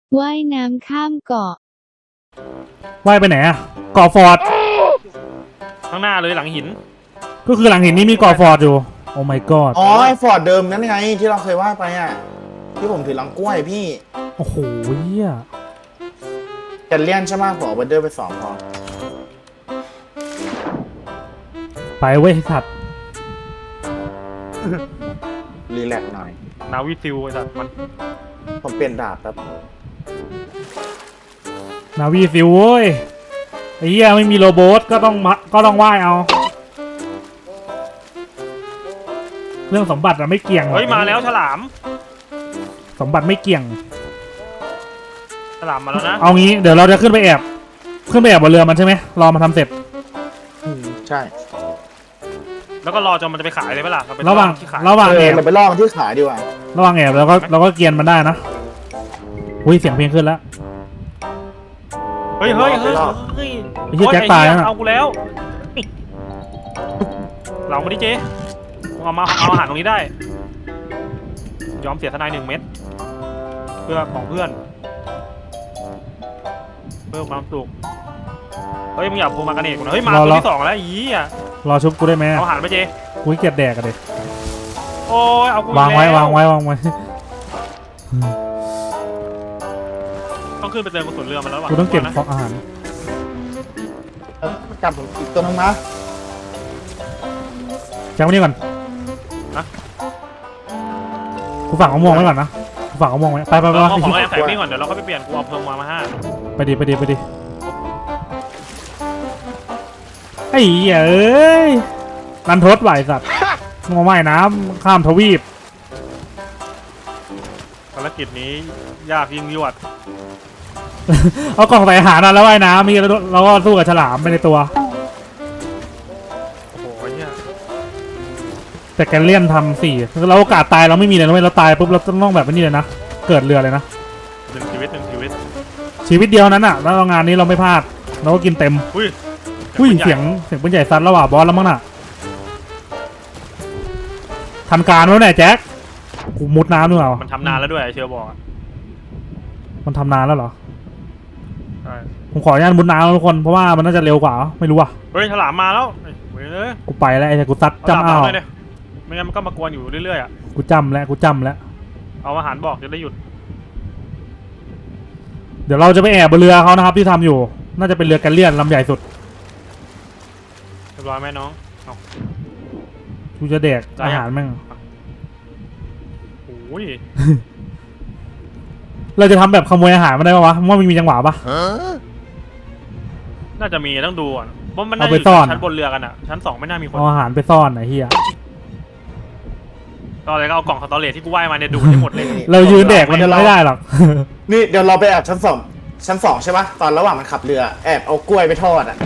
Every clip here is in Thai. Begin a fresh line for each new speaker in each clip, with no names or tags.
ว่ายน้ำข้ามเกาะ
ว่ายไปไหนอะเกาะฟอร์ด
ข้างหน้าเลยหลังหิน
ก็คือหลังหินนี้มีเกาะฟอร์ดอยู่โอ้ my god
อ๋อไอ้ฟอร์ดเดิมนั่นไงที่เราเคยว่าไปอ่ะที่ผมถือลังกล้วยพี่
โอ้โหเหี้ย
แกนเลียนใช่ไหมผมเอาบันเดอร์ไปสองพอ
ไปเว้ยสัตว์
รีแลกซ์หน่อย
นาวิซิลไอ้สัตว์มัน
ผมเปลี่ยนดาบแป๊บ
นาวีซิวเว้ยไอ้เหี้ยไม่มีโรบอทก็ต้องว่ายเอาเรื่องสมบัติอะไม่เกี่ยง
เฮ้ยมาแล้วฉลาม
สมบัติไม่เกี่ยง
ฉลามมาแล้วนะ
เอางี้เดี๋ยวเราจะขึ้นไปแอบบนเรือมันใช่ไหมรอมาทำเสร็จ
ใช่
แล้วก็รอจนมันจะไปขายเลยไหมล่ะเาไประ
หว่าง
ที่ขาย
ระหว่างแอบ
เราไปลอกที่ขายดีกว่า
ระหว่างแอบเราก็เกียนมันได้นะอุ้ยเสียงเพลงขึ้นแล้ว
เฮ้ย
ไอ้เหี้ยแจ็คตายแล้วน่ะ
เอากูแล้วเราไม่ได้เจ๊เอาอาหารตรงนี้ได้ยอมเสียทนาย1 เม็ดเพื่อของเพื่อนเพิ่มความสุขเฮ้ยมึงอย่าพูดมากันเองนะเฮ้ยมาตัวที่2แล้วอีอ่ะ
รอชุบกูได้ไหม
เอาอาหารไปเจ๊
กูเกลียดแดกกันเลย
โอ้ยเอากู
วางไว้
แล้ว
วางไว้
ต้องขึ้นไปเติมกระสุนเรือมันแล้วว่ะ
กูต้องเก็บ
นะ
ของอาหาร
กลับอีกตัวนึงนะ
แจ็คมานี่ก่อน
นะ
กูฝากเอาม่วงไว้ก่อนนะกูฝากเอาม่วงไว้ไป
เอาของแอบแฝงนี่ก่อนเดี๋ยวเราก็ไปเปลี่ยนกูเอาเพิ่มมา5
ไปดิไอ้เหี้ยเอ้ยรันทดไหวสัตว์มาว่ายน้ำข้ามทวีป
ภารกิจนี้ยากยิ่งยวด
เอากล่องใส่อาหารนะแล้วว่ายน้ำมีแล้วก็สู้กับฉลามไปในตัว
โอ้โหเนี่ย
แต่แกเลี่ยนทำ4เราโอกาสตายเราไม่มีเลยนะเว้ยเราตายปุ๊บเราต้องแบบนี้เลยนะเกิดเรือเลยนะ
1 ชีวิต
ชีวิตเดียวนั้นอ่ะแล้วงานนี้เราไม่พลาดเราก็กินเต็ม
อุ้ย
เสียงปืนใหญ่ซัดแล้วว่ะบอสแล้วมั้งน่ะทันการแล้วเนี่ยแจ็คกูมุดน้ำด้วยเหรอ
มันทำนานแล้วด้วยเชียวบอกอะ
มันทำนานแล้วเหรอ
ใช่
ผมขออนุญาตมุดน้ำนะทุกคนเพราะว่ามันน่าจะเร็วกว่าไม่รู้อ่ะ
เฮ้ยฉลามมาแล้วเว้ยเลย
กูไปแล้วไอ้กูซัด
เอา
จำ
ฉลาม
อ้าว
มาเลยไม่งั้นมันก็มากวนอยู่เรื่อยๆอ่ะ
กูจำแล้ว
เอาอาหารบอกจะได้หยุด
เดี๋ยวเราจะไปแอบบนเรือเขานะครับที่ทำอยู่น่าจะเป็นเรือแกลเลียนลำใหญ่สุด
เรียบร้อยไหมน้องเอา
กูจะแดกอาหารแม่ง
โอ้ย
เราจะทำแบบขโมยอาหารมาได้ปะวะว่ามันมีจังหวะปะ
น่าจะมีต้องดูอ่ะเพราะมันน่า
เอา
จะ
ไป
อยู่
ซ่อน
ชั้นบนเรือกันอ่ะชั้น2ไม่น่ามีคน
เอาอาหารไปซ่อนไอ้เหี้ย
ก็เลยก็เอากล่องสตอเรจที่กูว่ายมาเนี่ยดูดให้หมดเลย
เรายืนแดกมันไม่ได้หรอก
นี่เดี๋ยวเราไปแอบชั้นสองใช่ปะตอนระหว่างมันขับเรือแอบเอากล้วยไปทอดอ่ะ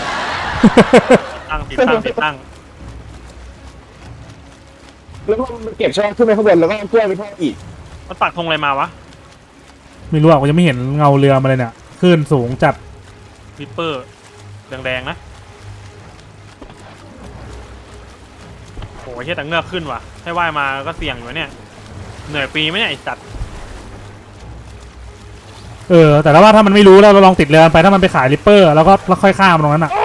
ติดตั้ง
แล้วก็มันเก็บช่องขึ้นไปข้างบนแล้วก็เอากล้วยไปทอดอีก
มันปักธงอะไรมาวะ
ไม่รู้อ่ะกูยังไม่เห็นเงาเรือมาเลยเนี่ยคลื่นสูงจัด
วิปเปอร์แดงๆนะโอ้ยเฮียแต่เงือกขึ้นว่ะให้ว่ายมาก็เสี่ยงอยู่เนี่ยเหนื่อยปีไหมเนี่ยไอ้สัตว์
แต่ว่าถ้ามันไม่รู้แล้วเราลองติดเรือไปถ้ามันไปขายริปเปอร์แล้วค่อยข้ามตรงนั้นอ่ะ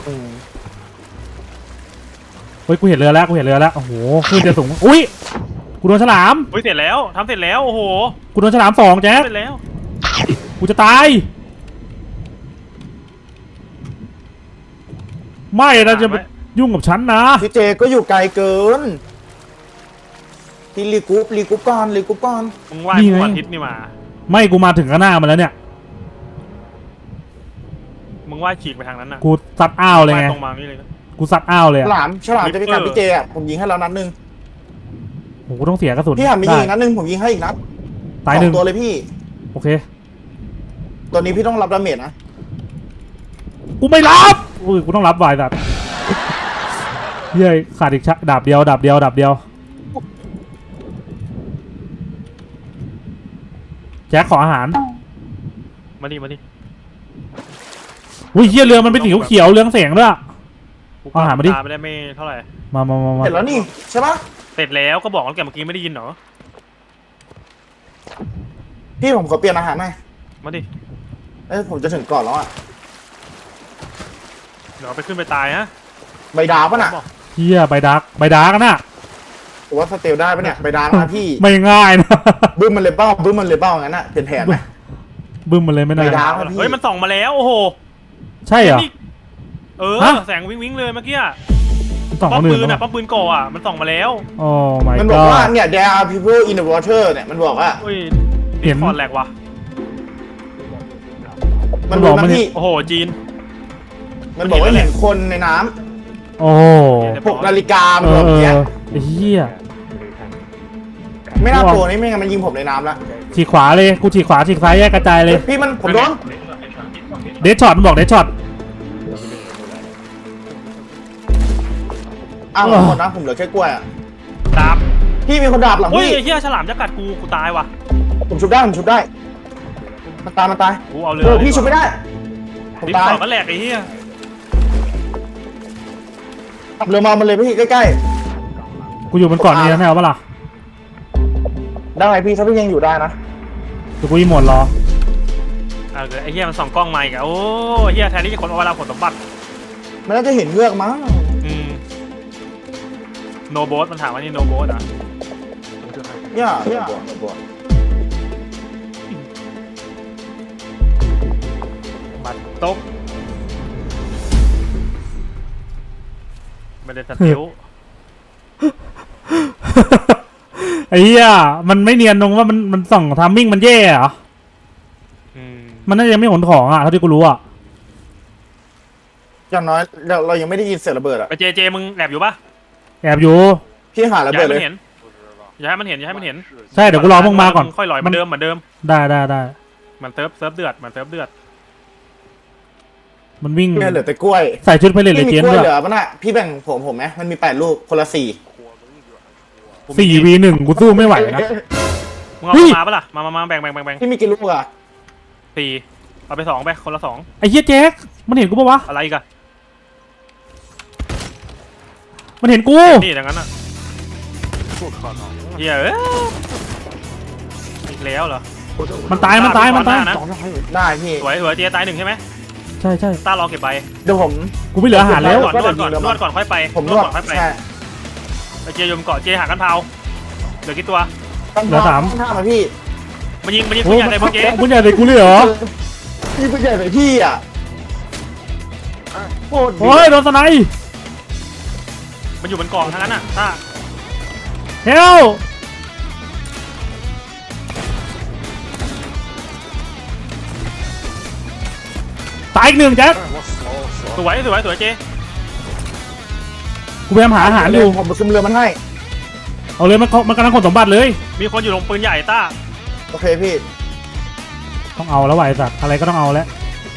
เฮ้ยกูเห็นเรือแล้วโอ้โหคลื่นจะสูงอุ้ยกูโดนฉลาม
เฮ้ยเสร็จแล้วทำเสร็จแล้วโอ้โห
กูโดนฉลาม2แจ๊ค
เสร็จแล้ว
กูจะตายไม่นะจะไปยุ่งกับฉันนะ
พี่เจก็อยู่ไกลเกินพี่รีกรุ๊ปก่อน
มึงว่ายทุกวันอาทิตย์นี่มา
ไม่กูมาถึงข้างหน้ามันแล้วเนี่ย
มึงว่ายฉีกไปทางนั้นน่ะ
กูซัดอ้าวเลยไง
ว่ายตรงมานี่เลย
กูซัดอ้าวเลย
ฉ
อะ
ลามจะไปกัดพี่เจอ่ะผมยิงให้แล้วนัดนึง
โอ้โหกูต้องเสียกระสุน
พี่หันไปยิงอีก
ได้
นัดนึงผมยิงให้อีกนัด
ตายหนึ่ง
2 ตัวเลยพี่
โอเค
ตัวนี้พี่ต้องรับดาเมจนะ
กูไม่รับอุ้ยกูต้องรับวายสัตว์เย้ยขาดอีกดาบเดียวแจ็คขออาหาร
มาดิ
อุ้ยเฮียเรือมันเป็นสีเขียวเรืองแสงด้วย
กู
เอาอาหารมาดิ
ไม่ได้ไม่เท่าไหร่
มา
เสร็จแล้วนี่ใช่ปะ
เสร็จแล้วก็บอกแล้วแกเมื่อกี้ไม่ได้ยินเหรอ
พี่ผมขอเปลี่ยนอาหารหน่อย
มาดิ
เอ้ยผมจะถึงก่อนแล้วอ่ะ
เดี๋ยวเอาไปขึ้นไปตายฮะ
ใบดาวปะน่ะ
เฮียใบดาร์กกันน่ะ
ผมว่าสเตลได้ปะเนี่ยใบดาวนะพี่
ไม่ง่ายนะ
บึ้มมันเลยเป้าบึ้มมันเลยเป้างั้นน่ะเปลี่ยนแผนไหม
บึ้มมันเลยไม่ได้
ใบดาร์ก พี่
เฮ้ยมันส่องมาแล้วโอ้โห
ใช่เหรอ
นี่
ฮะ
แสงวิ้งเลยเมื่อกี้
สอง
ป้อ
ค
ม
น
ปื
อื่น
น
เหร
อ่ะ
อ
ป้อมปืนก่ออ่ะมันส่องมาแล้ว
โอ้ my
มันบอกว่า
god
เนี่ย there are people in the water เนี่ยมันบอกว่า
เฮ้ย
เห็น
คอร์ดแหลกว่ะ
มันบอก
มันบอกมัน
นะพี่
โอ้โหจีน
มันบอกว่าเห็นคนในน้
โอ้
ำ6 นาฬิกามัน
เอ
บอก
อ
อย่างเงี้ย
ไอ้เฮีย
ไม่น่าโผล่นี่ไม่งั้นมันยิงผมในน้ำละ
ฉีกขวาเลยกูฉีกขวาฉีกซ้ายแยกกระจายเลย
พี่มันผมโดน
เดชช็อตมันบอกเดชช็อต
อ้าวหมดนะผมเหลือแค่กล้วยอ่ะ
ดาบ
พี่มีคนดาบหลัง
โอ้ย
พี่
ไอ้เหี้ยฉลามจะกัดกูตายว่ะ
ผมชุบได้มันตายมันตาย
กูเอาเรื
เออพี่ชุบไม่ได้ผม
ดิ
ตาย
สอดก็แหลกไอ้เหี้ย
ขับเรือมามันเลยพี่ใกล้
กูอยู่บนเกาะนี้นะเอาปะล่ะ
ๆได้พี่ถ้าพี่ยังอยู่ได้นะ
เดี๋ยวกูอีหมดรอ
เอาเลยไอ้เหี้ยมันส่องกล้องมาอีกอะโอ้ไอ้เหี้ยแทนที่จะคนเอาเวลาผลสมบัติ
มันน่าจะเห็นเงือกมั้ง
โนโบสมันถามว่านี่โนโบสอ่ะ
เนี่ย
บัตรตกไม่ได้สติล
ไอ้เหี้ยมันไม่เนียนตรงว่ามันส่องทามมิ่งมันแย่เหรอ มันน่าจะยังไม่ขนของอ่ะเท่าที่กูรู้อ่ะ
อย่างน้อยเรายังไม่ได้ยินเสียงระเบิดอ่ะ
ไปเจมึงแอบอยู่ปะ
แอบอยู่
พี่หาระ
อย่า
เบิด
ให้
เล
มัน
ย
เห็นอย่าให้มันเห็นอย่าให้มันเห็น
ใช่เดี๋ยวกูรอพวกมาก่อน
ค่อยลอยเหมือนเดิมเหมือนเดิม
ได้
มันเซิร์ฟเดือดมันเซิร์ฟเดือด
มันวิ่ง
พี่เหลือแต่กล้วย
ใส่ชุดไปเลยเล
พี่
ย
มี
เจน
กล้วย
ด้วย
เหลือปะน่ะพี่แบ่งผมไหมมันมี8 ลูกคนละ
4v1 กูสู้ไม่ไหวนะ
มึงเอา
เฮ้ย
มาปะล่ะมาแบ่ง
4พี่มีกี่ลูกอ่ะ
สี่เอาไป2ไปคนละ2
ไอ้เหี้ยแจ็คมันเห็นกูปะวะ
อะไรอีกัน
มันเห็นกู
นี่อย่างนั้นอ่ะเหี้ยอีกแล้วเหรอ
มันตาย
นะ
ได้พี่
สวยเจตาย1ใช่ไหม
ใช่
ต้ารอเก็บใบ
เดี๋ยวผม
กูไม่เหลืออาหารแล้ว
นวดก่อนค่อยไป
ผมนวด
ก่อนค่อยไป
ใช่
ไอเจยมเกาะเจหากันเผาเหลือกี่ตัว
เหลือ 3
ท่ามาพี่
มันยิง
โอ้
ปืนใหญ่เลยเมื่อกี้
มึงใหญ่เลยกูเลยเหรอ
พี่ผู้ใหญ่ไปพี่อ่ะโคตรดี
โอ้ยโดนสไนป์
มันอยู่บนกองทั้งนั้นอ่ะต้า
เฮลตายอีก 1แจ็ค
สวยเจ
กูพยายามหาอาหารอยู่
ผมไปคุมเรือมันให้
เอาเลยมันกำลังขนสมบัติเลย
มีคนอยู่ลงปืนใหญ่ต้า
โอเคพี่
ต้องเอาแล้วว่ะไอ้สัตว์อะไรก็ต้องเอาแล้ว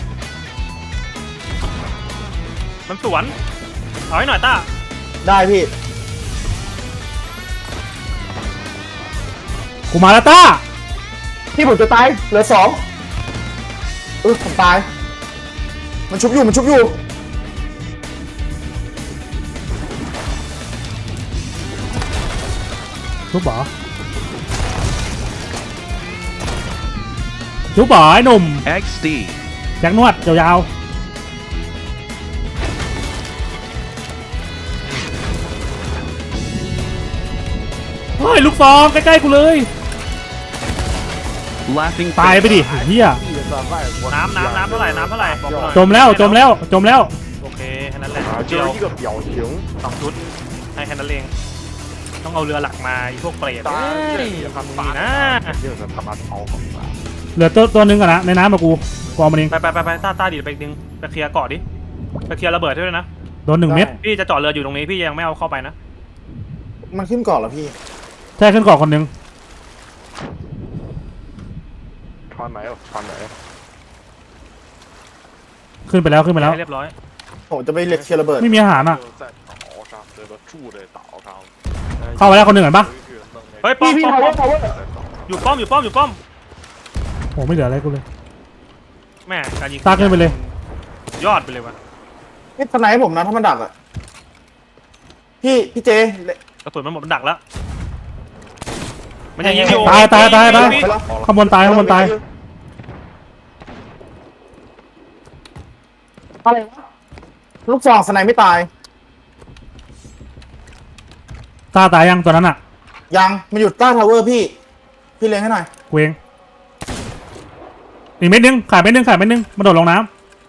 มันสวนเอาให้หน่อยต้า
ได้พี่
กูมาแล้วต้า
พี่ผมจะตายเหลือ2ผมตาย มันชุบอยู่
ชุบบ่ชุบบ่ไอ้หนุ่ม
XD
แจ็คนวดยาวๆเฮ้ยลูกซองใกล้ๆกูเลย
Laughing
ตายไปดิเฮีย
น้ำเท่าไหร่บอกหน่อย
จมแล้ว
โอเคแค่นั้นแหละเดียว2 ชุดให้แค่นั้นเองต้องเอาเรือหลักมาไอ้พวกเปรตอย่าทำมึงนะ
เหลือตัวนึงก่อนนะในน้ำมากูเอามันเอง
ไปต้าดีไปอีกนึงไปเคลียร์เกาะดิไปเคลียร์ระเบิดด้วยนะ
โดน1 เม็ด
พี่จะจอดเรืออยู่ตรงนี้พี่ยังไม่เอาเข้าไปนะ
มันขึ้นก่อนเหรอพี่
ใช่ขึ้นเกาะคนหนึ่งขึ้นไปแล้ว
ให้เรียบร้อย
ผมจะไปเล็กเคลียร์ระเบิด
ไม่มีอาหารอ่ะเข้าไปแล้วคนหนึ่งเห็นปะ
เฮ้ยป้อม
พี่ power
อยู่ป้อม
โอ้ไม่เหลืออะไรกูเลย
แม่การยิง
ตาขึ้นไปเลย
ยอดไปเลยวะ
นี่ทนายให้ผมนะถ้ามันดักอ่ะพี่เจ
กระสุนมันหมดมันดักแล้วมันยังยิงอยู่
ตาย
วิ่ง
ข้างบนตาย
อะไรวะลูกซองสไนไม่ตาย
ตาตายยังตัวนั้นอ่ะ
ยังมันอยู่ใต้ทาวเวอร์พี่เลี้ยงให้หน่อย
กูเองอีกเม็ดนึงขาดเม็ดนึงมาโดดลงน้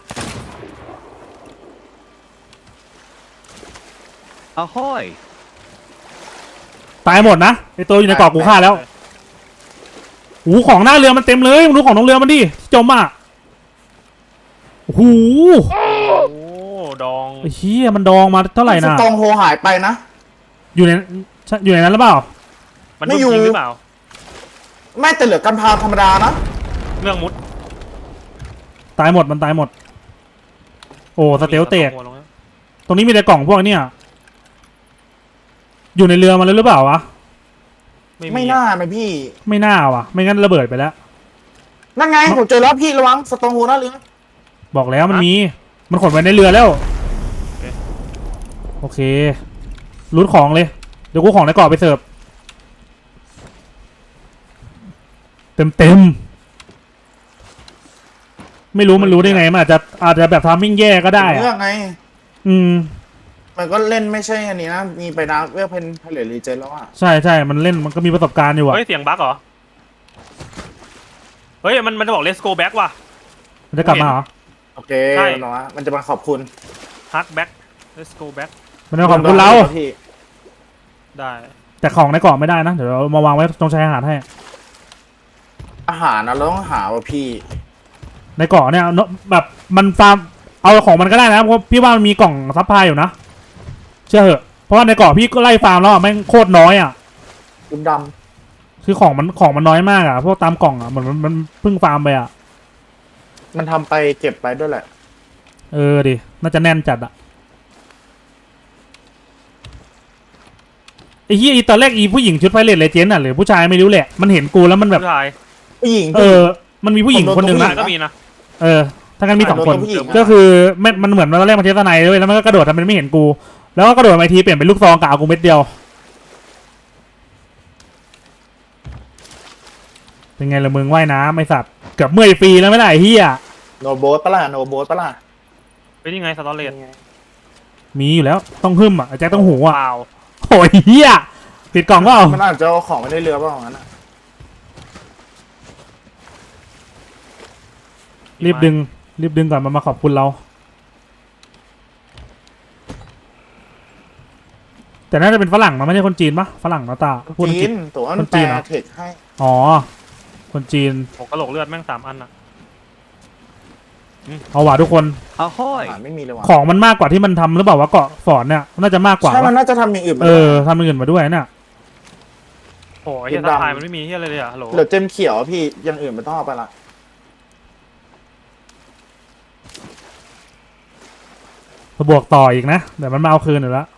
Ahoy!
ำตายหมดนะไอตัวอยู่ในเกาะกูฆ่าแล้วโอ้โหของหน้าเรือมันเต็มเลยมึงดูของตรงเรือมันดิจมอ่ะโอ้โห
โอ้ดอง
ไอ้เหี้ยมันดองมาเท่าไหร่
ส
นะ
ตองโฮหายไปนะ
อยู่ในนั้นหรือเปล่า
มัน
ไม่
โดน
อยู่
ยิงหรือเปล่า
ไม่แต่เหลือกันพาธรรมดานะ
เรื่องมุด
ตายหมดมันตายหมดโอ้สเตลเตก
หัวลงแล้ว
ตรงนี้มีแต่กล่องพวกเนี้ยอยู่ในเรือมาแล้วหรือเปล่าวะ
ไม่น่าไหมพี่
ไม่น่าวะไม่งั้นระเบิดไปแล้ว
นั่นไงผมเจอแล้วพี่ระวังสตองโฮหน้าเรือ
บอกแล้วมันมีมันขนไว้ในเรือแล้วโอเครูดของเลยเดี๋ยวกูของในเกาะไปเสิร์ฟเต็มไม่รู้มันรู้ได้ไงมันอาจจะแบบทามมิ่งแย่ก็ได้
เรื่อง
อะ
ไง
อืม
มันก็เล่นไม่ใช่อันนี้นะมีไปดาร์กเวลเพนเพลรีเจนแล้วอ่ะ
ใช่มันเล่นมันก็มีประสบการณ์อยู่อะ
เฮ้ยเสียงบั๊กเหรอเฮ้ยมันจะบอก let's go back ว่ะ
มันจะกลับมาเหรอ
โอเค
ใช่
มันบอกว่ามันจะมาขอบคุณ
ฮัก back let's go back
มันจะขอบคุณเรา
พี่
ได้
แต่ของในเกาะไม่ได้นะเดี๋ยวเรามาวางไว้ตรงชายหาดให้
อาหารนะเราต้องหาว่ะพี่
ในเกาะเนี่ยเนอะแบบมันฟาร์มเอาของมันก็ได้นะเพราะพี่ว่ามันมีกล่องซัพพลายอยู่นะเชื่อเหอะเพราะว่าในเกาะพี่ก็ไล่ฟาร์มแล้วอะแม่งโคตรน้อยอ่ะ
ด
คือของมันน้อยมากอ่ะพวกตามกล่องอ่ะเหมือนมันเพิ่งฟาร์มไปอ่ะ
ำมันทำไปเก็บไปด้วยแหละ
เออดิน่าจะแน่นจัดอ่ะไอ้เหี้ยอีตอนแรกอีผู้หญิงชุดไฟเลตเลเจนด์อ่ะหรือผู้ชายไม่รู้แหละมันเห็นกูแล้วมันแบบ
ผู้ชาย
ผู้หญิง
เออมันมีผู้หญิงคนหนึ่ง
ผู้
นะ
ชายก็มีนะ
เออถ้างั้นมีสองคน
โดนตัวผู้หญิงอะ
ก็คือมันเหมือนมันตอนแรกมันเทสไนด้วยแล้วมันก็กระโดดทำเป็นไม่เห็นกู แล้วก็กระโดดมาทีเปลี่ยนเป็นลูกซองกะเอากูเม็ดเดียวเป็นไงละมึงว่ายน้ำไอสัตว์เกือบเมื่อยฟรีแล้วไม่ได้ไอ้เฮีย
โนโบสปะล่ะโนโบสปะล่ะ
เป็นยังไงสตอเรจ
มีอยู่แล้วต้องหึ่มอ่ะไอ้แจ็คต้องหูอ่ะ
เปล่า
โอ้ยเฮียปิดกล่องก็เอา
มันอาจจะเอาของไม่ได้เรือเปล่างั้นอะ
รีบดึงก่อนมันมาขอบคุณเรา แต่น่าจะเป็นฝรั่งมันไม่ใช่คนจีนปะฝรั่งนะตาพูดอังก
จี
ฤษ
นตัวมัน
คนจี
แปล
นเหรอ
เทคให้
อ๋อคนจีน
โอ้กระโหลกเลือดแม่ง3 อันอะ
เอาว่ะทุกคน
อา
Ahoy!
หารไม่มีเลยว่ะ
ของมันมากกว่าที่มันทำหรือเปล่าวะเกาะสอนเนี่ยน่าจะมากกว่า
ใช่มัน
วะ
น่าจะทำอย่างอื่นมา
เออทำอย่างอื่นมาด้วยเนี่ย
โอ้ยเฮียสะพายมันไม่มีเฮียอะไรเลยอะฮัลโหล
เหลือเจมเขียวพี่อย่างอื่นไม่ต้องเอาไปละ
บวกต่ออีกนะเดี๋ยวมันมาเอาคืนอยู่แล้ว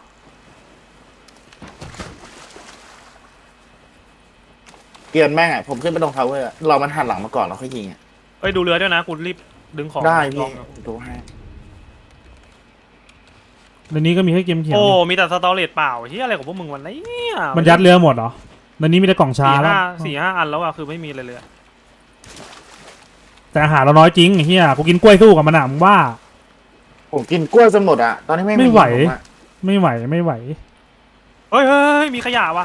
เกลียนแม่งอะผมขึ้นไปตรงทาวเวอร์อะเรามันหันหลังมาก่อนแล้วค่อยยิงอะ
เอ้ยดูเรือด้วยนะกูรีบดึงของ
ได้
ล
พี่
อง
ดูให้
ในนี้ก็มีให้เกมเขียว
โอ้มีแต่สตอเรจเปล่าเฮียอะไรของพวกมึงวันนี้เนี่ย
มันยัดเรือหมดเหรอในนี้มีแต่กล่องชาแล้ว
สี่ห้าอันแล้วอะคือไม่มีเลยเลยอะ
แต่อาหารเราน้อยจริงไอ้เหี้ยกูกินกล้วยสู้กับมันอะมึงว่า
ผมกินกล้วยจนหมดอะตอนนี้ไม่
ไม่ไหว
ผมอะ
ไม่ไหว
เฮ้ยมีขยะว่ะ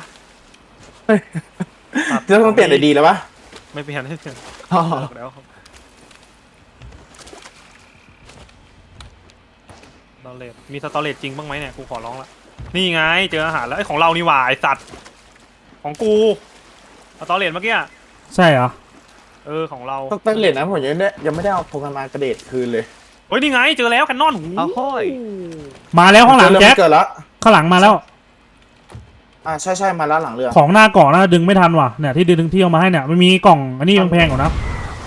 จะต้องเปลี่ยนอะไรดีแล้ววะ
ไม่เปลี่ยนไม่เปลี่ยน
อ๋อ
แล้วครับสตอเรจมีสตอเรจจริงบ้างไหมเนี่ยกูขอร้องละนี่ไงเจออาหารแล้วไอ้ของเรานี่หว่าไอสัตว์ของกูสตอเรจเมื่อกี้อะ
ใช่เหรอ
เออของเรา
ต้องเต้นเหรียญนะผมยังไม่ได้เอาโปรแกรมมากระเดดคืนเลย
เฮ้ยนี่ไงเจอแล้วแคนนอนหู
Ahoy!
มาแล้วข้างหลัง
เจอ
แจ็ค
เกิดแล้ว
ข้างหลังมาแล้ว
ใช่มาแล้วหลังเรือ
ของหน้าเกาะน่าดึงไม่ทันว่ะเนี่ยที่ดึงที่เอามาให้เนี่ยมันมีกล่องอันนี้แพงๆกว่านะ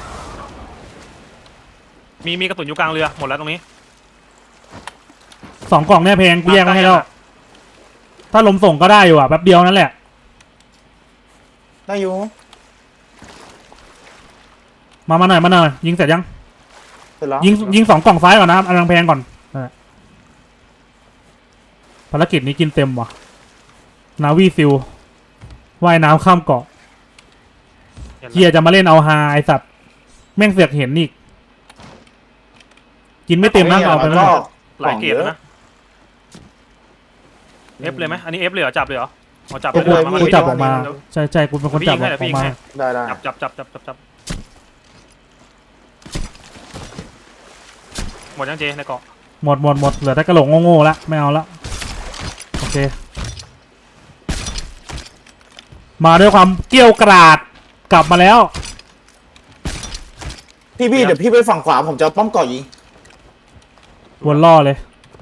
มีกระสุนอยู่กลางเรือหมดแล้วตรงนี้
2 กล่องเนี่ยแพงกูแยกมาให้แล้วถ้าลมส่งก็ได้อยู่อ่ะแป๊บเดียวนั่นแหละ
ได้อยู่
มาหน่อยยิงเสร็จยัง
เสร็จแล้ว
ยิง2 กล่องซ้ายก่อนนะอันแพงก่อนนั่นแหละภารกิจนี้กินเต็มว่ะนาวีซิลว่ายน้ำข้ามเกาะเฮียจะมาเล่นเอาฮาไอสัตว์แม่งเสือกเห็นอีกกินไม่เต็มนะเอาไป
ก็
ไม่หมด
หลายเกรดแล้วนะเอฟเลยไหมอันนี้เอฟเลยเหรอจับเลยเหรอเอาจับ
กูจับออกมาใช่กูเป็นคนจับออกมา
ได้
จับหมดยังเจในเกาะ
หมดเหลือแต่กระโหลกโง่ๆละไม่เอาละโอเคมาด้วยความเกรี้ยวกราดกลับมาแล้ว
พี่เดี๋ยวพี่ไปฝั่งขวาผมจะป้อมเกาะยิง
วนล่อเลย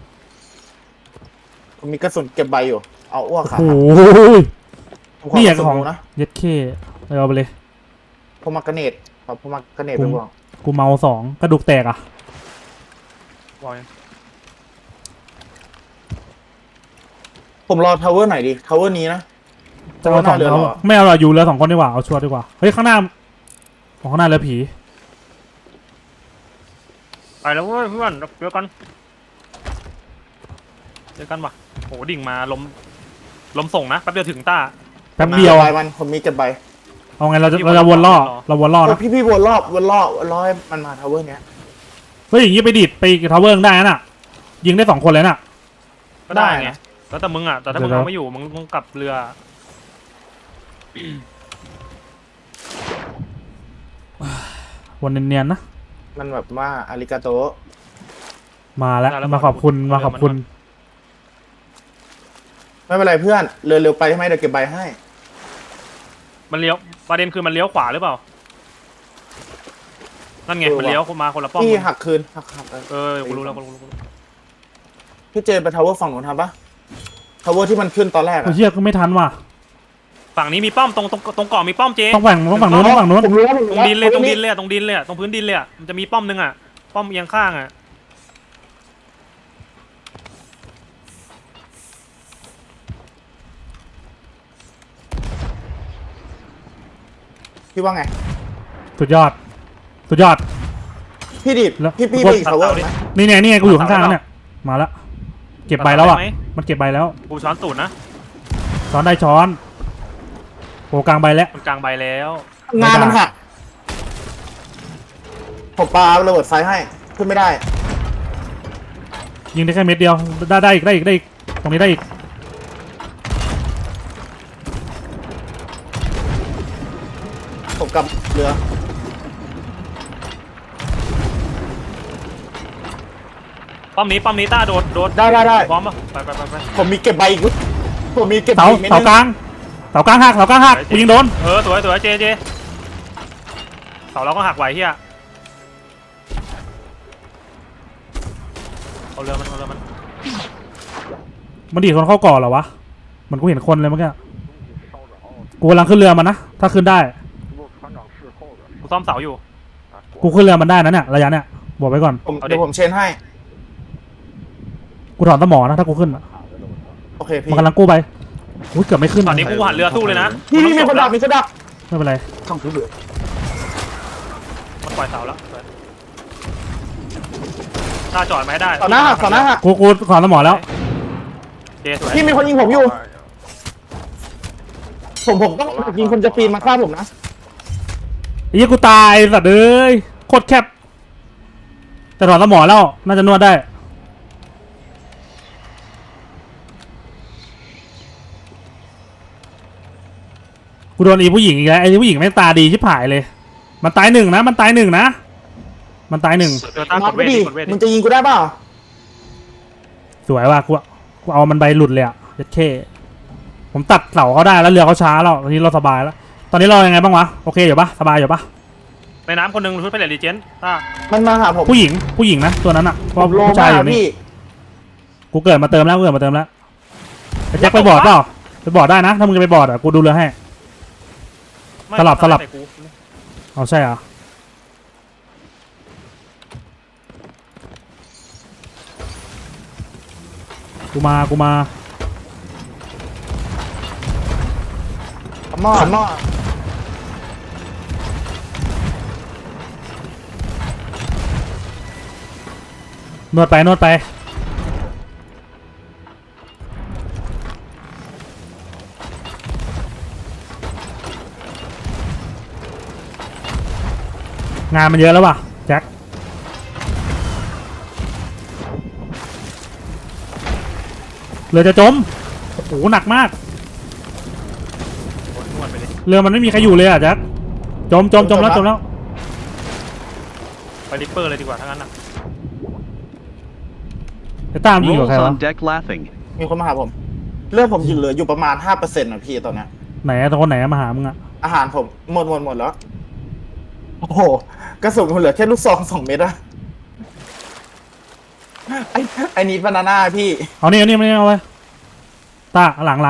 ผมมีกระสุนเก็บใบอยู่เอาอ้วกขา
โอ้ย
ผม
นี่อย่าง
กระ
ข
สุ
อง
นะ
เย็ดเคเอาไปเลย
ผมมากระเนตครับผมมากระเนตไปบ่วง
กูเมา2กระดูกแตกอ่ะ
วอย
ผมรอทาวเวอร์ไหนดีทาวเวอร์นี้นะ
จะเอาสอง
เรือ
เอา
เหรอ
ไม่เอาหรอกอยู่เรือ2คนดีกว่าเอาชัวร์ดีกว่าเฮ้ยข้างหน้าข้างหน้าเรือผี
ไปแล้วเว้ยเพื่อนเจอกันว่ะโหดิ่งมาลมส่งนะแป๊บเดียวถึงต้า
แป๊บเดียว
ใบมันผมมีเก็บใบ
เอาไงเราจะวนล่อเราวนล่อนะ
พี่วนรอบให้มันมาทาวเวอร์เนี้ย
เฮ้ยอย่างงี้ไปดิดไปทาวเวอร์ได้น่ะยิงได้2คนเลยน่ะ
ก็ได้
ได้
ไง
นะ
แล้วแต่มึงอ่ะแต่ถ้ามึง
เดี๋ยว
เอาไม่อยู่มึงกลับเรือ
วนเนียนๆนะ
มันแบบว่าอาริกาโต
มาแล้วมาขอบคุณมาขอบคุณ
ไม่เป็นไรเพื่อนเร็วๆไปใช่ไหมเดี๋ยวเก็บใบให้
มันเลี้ยวประเด็นคือมันเลี้ยวขวาหรือเปล่านั่นไงมันเลี้ยวมาคนละป้อม
พี่หักคืนหัก
กูรู้แล้วกูรู้
พี่เจนไปทาวเวอร์ฝั่งนู้นทำปะทาวเวอร์ที่มันขึ้นตอนแรก
โอ้
อะ
เหี้ยก็ไม่ทันว่ะ
ฝั่งนี้มีป้อมตรงเกาะมีป้อมเจ
ต้องฝั่งนู้นต้องฝั่งนู้น
ผมรู้แล้ว
ตรงดินเลยตรงพื้นดินเลยตรงพื้นดินเลยมันจะมีป้อมนึงอ่ะป้อมเอียงข้างอ่ะ
พี่ว่าไง
สุดยอด
พี่ดิด
แล้ว
พี่ไปอีกทาวเวอร์ไหม
นี่ไงกูอยู่ข้างๆแล้วเนี่ยมาแล้วเก็บใบแล้วอ่ะมันเก็บใบแล้ว
กูช้อนตูดนะ
ช้อนได้ช้อนโอ้กลางใบแล้ว
มันกลางใบแล้ว
งานมันหักผมปาระเบิดไฟให้ขึ้นไม่ได้
ยิงได้แค่เม็ดเดียวได้อีกตรงนี้ได้อีก
ผมกลับเรือ
ป้อมนี้ต้าโดด
ได้
พร้อมป่ะไป
ผมมีเก็บใบอีกผมมีเก็บใบ
เสา
อีกเม็ด
เสา
นึง
กลางหักกูยิงโดน
สวยเจเสาเราก็หักไหวเฮียเอาเรือมัน
มันดีดคนเข้าก่อเหรอวะมันกูเห็นคนเลยเมื่อกี้กูกำลังขึ้นเรือมันนะถ้าขึ้นได้
กูซ่อมเสาอยู่
กูขึ้นเรือมันได้นะเนี่ยระยะเนี่ยบอกไว้ก่อน
เดี๋ยวผมเชนให้
กูถอนสมอนะถ้ากูขึ้นอะ
โอเคพี่
มันกำลังกู้ไปอุ้ยเกือบไม่ขึ้น
ตอนนี้กูหันเรือสู้เลยนะ
พี่มีคนดักมีคนดัก
ไม่เป็นไร
ต้องถือเรือ
มันปล่อยเสาแล้วต้าจอดไหมได้
ต่อหน้าหัก
กูถอนสมอแล้ว
เจสวย
พี่มีคนยิงผมอยู่ ผมต้องยิงคนจะปีนมาฆ่าผมนะ
ไอ้เหี้ยกูตายสัตว์เอ้ยโคตรแคบแต่ถอนสมอแล้วน่าจะนวดได้กูโดนอีผู้หญิงอีกแล้วไอ้ผู้หญิงแม่งตาดีชิบหายเลยมันตายหนึ่งนะ
เจอต้าก
น็อ
ด
ต
เว
ไม่
ท
ดี
กดเวท
มึงจะยิงกูได้เปล่า
สวยว่ะกูเอามันใบหลุดเลยอ่ะยัดเข้ผมตัดเสาเขาได้แล้วเรือเขาช้าแล้วตอนนี้เราสบายแล้วตอนนี้เรายังไงบ้างวะโอเคอยู่ปะสบายอยู่ปะ
ในน้ำคนหนึ่งชุดเป็นเลดีเจนต้า
มันมาหาผม
ผู้หญิงนะตัวนั้นอ่ะเพ
ผ
ราะ
มโล
ผู้ชายอยู่นี่
พี่
กูเกิดมาเติมแล้วไอ้แจ็คไปบอร์ดเปล่าไปบอร์ดได้นะถ้ามึงจะไปบอร์ดอ่ะกูดูเรือให้
ไม่
สลับ
ใส่กู
เอาใช่เหรอกูมา
ขมอด
นวดไปงานมันเยอะแล้วว่ะแจ็คเรือจะจมโอ้โหหนักมาก
โดนนวดไปเลย
เรือมันไม่มีใครอยู่เลยอ่ะแจ็คจมแล้ว
ไปริปเปอร์เลยดีกว่าทั้งนั้นนะ
จะตามยิงกับ
Rolls
ใครวะ
on deck laughing.
มีคนมาหาผมเลือดผมเหลืออยู่ประมาณ 5% นะพี่ตอนเนี้ย
ไหนอะตรงคนไหนอะมาหามึงอะ
อาหารผมหมดแล้ว โอ้โหกระสุนผมเหลือแค่ลูกซอง2 เม็ดอะไอ้นี้บานาน่าพี่
เอานี่ไม่เอาไว้ตาหลัง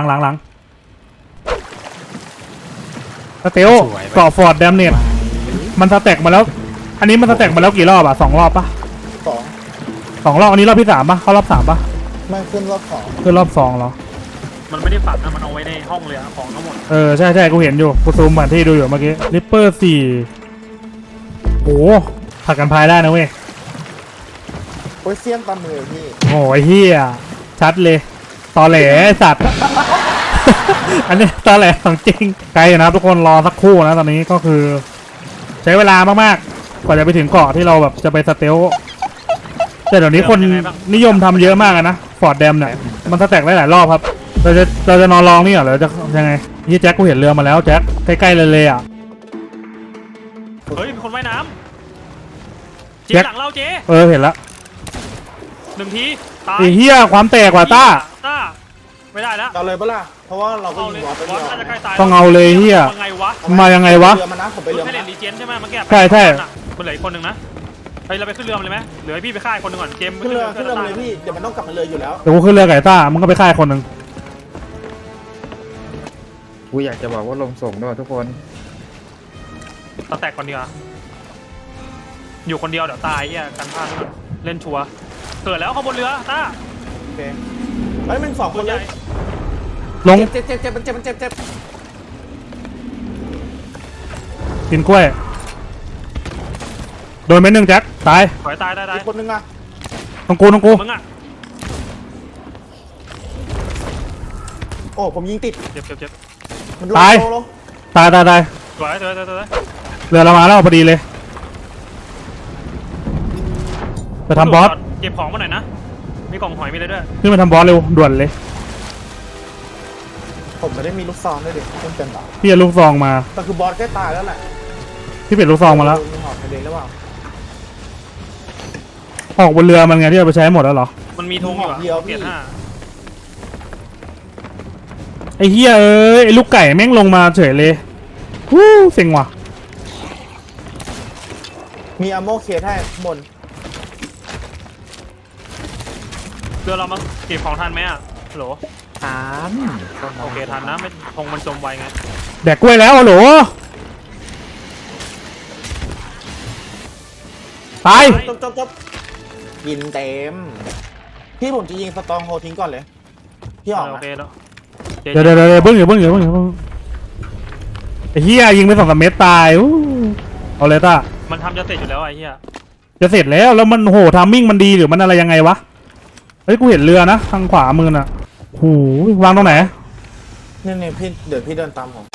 สเตลเกาะฟอร์ดแดมเนตมันสแต็กมาแล้ว อันนี้มันสแต็กมาแล้วกี่รอบอะ2 รอบปะ 2 รอบอันนี้รอบที่3ปะเข้ารอบ 3ปะ
ไม่ขึ้นรอบ
คือรอบ2เหรอ
มันไม่ได้ฝังนะมันเอาไว้ในห้องเลยอะของทั้งหมด
ใช่กูเห็นอยู่กูซูมแผนที่ดูอยู่เมื่อกี้ริปเปอร์4โอ้ผักกันพายได้นะเว้ย
โอ้ยเสี้ยนตามมือพี่
โอ้ยเฮียชัดเลยตอแหลไอ้สัตว์ อันนี้ตอแหลของจริงไกลอยู่นะครับทุกคนรอสักครู่นะตอนนี้ก็คือ ใช้เวลามากๆกว่าจะไปถึงเกาะที่เราแบบจะไปสเตลแต่เดี๋ยวนี้คนนิยมทำเยอะมากนะฟอร์ดแดมเนี่ยมันสแต็กได้หลายรอบครับเราจะนอนรองนี่เหรอหรือจะยังไงยี่แจ็คกูเห็นเรือมาแล้วแจ็คใกล้ๆเลยอ่ะ
เฮ้ยมีคนว่ายน้ำเจ๊
แจ็ค
หลังเราเจ๊
เห็นละ
1 ทีตาย
ไอ้เฮียความแตกว่ะต้า
ไม่ได้แล้ว
เอาเลยปะล่ะเพราะว่าเราก็
เอา
ยิ
เลย
งบอสไป
บอ
เดี
ส
ยว
น่าจะใกล้ตาย
ต้องเอาเลยเฮีย
ยังไงวะ
มายังไงวะ
เรือมานะผมไป
เรือ
เรือ
ให้
มา
เล่น
นะ
รีเจนใช่ไหมเมื่อกี้
ใช่
มันเหลืออีกคนหนึ่งนะเฮ้ยเราไปขึ้นเรือมันเลยไหมเหลือให้พี่ไปฆ่าอีกคนหนึ่งก่อนเจมส์
ขึ้นเรือมาเลยพี่เดี๋ยวมันต้องกลับมาเลยอยู่แล้ว
เดี๋ยวกูขึ้นเรือไก่ต้ามึงก็ไปฆ่าคนหนึ่ง
กูอยากจะบอกว่าลงส่งด้วยทุกคน
ตะแตกคนเดียวอยู่คนเดียวเดี๋ยวตายเฮียกันพลาดแล้วเล่นชัวร์เกิดแล้วข้างบนเรือต้า
โอเคเฮ้ยมัน2 คนเลย
ลง
เจ็บมันเจ็บ
กินกล้วยโดนเม็ดหนึ่งแจ็คตาย
ถอยตาย
อีกคนนึงอะ
ต้องกู
มึงอ่ะ
โอ้ผมยิงติด
เจ็บ
มัน
ตาย
โล
ตาย
สวย
เรือเรามาแล้วพอดีเลยไปทำบอส
เก็บของมาหน่อยนะมีกล่องหอยมีอะไรด้วย
ขึ้นมาทำบอสเร็วด่วนเลย
ผมไม่ได้มีลูกซองด้วยดิเพิ่งเป็นต่อ
พี่เอาลูกซองมา
แต่คือบอสใกล้ตายแล้วแหละ
พี่เปลี่ยนลูกซองมาแล้ว
มีหอบทะเลหรือเปล่า
ออกบนเรือมันไงที่เอาไปใช้หมดแล้วเหรอ
มันมีธงอยู่อะเปลี่ยน5
ไอ้เฮียไอ้ลูกไก่แม่งลงมาเฉยเลยฮู้เซ็งว่ะ
มีอะโมเคสให้ข้างบน
เรือเรามาเก็บของทันไหมอะฮัลโหล
ทัน
โอเคทันนะไม่ธงมันจมไวไง
แดกกล้วยแล้วฮัลโหลตาย
จบยินเต็มพี่ผมจะยิงสตองโฮทิ้งก่อนเลยพี่ออก
โอ
นะ
เคแล้ว
เดี๋ยวเบิ้งอยู่ไอ้เฮียยิงไป2-3 เมตรตายอู้เอาเลยต้า
มันทำจะเสร็จอยู่แล้วไอ้เหี้ย
จะเสร็จแล้วมันโหทามมิ่งมันดีหรือมันอะไรยังไงวะเฮ้ยกูเห็นเรือนะทางขวามือน่ะหูวางตรงไหน
นี่พี่เดี๋ยวพี่เดินตามผม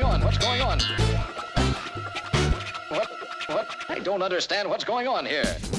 What? I don't understand what's going on here.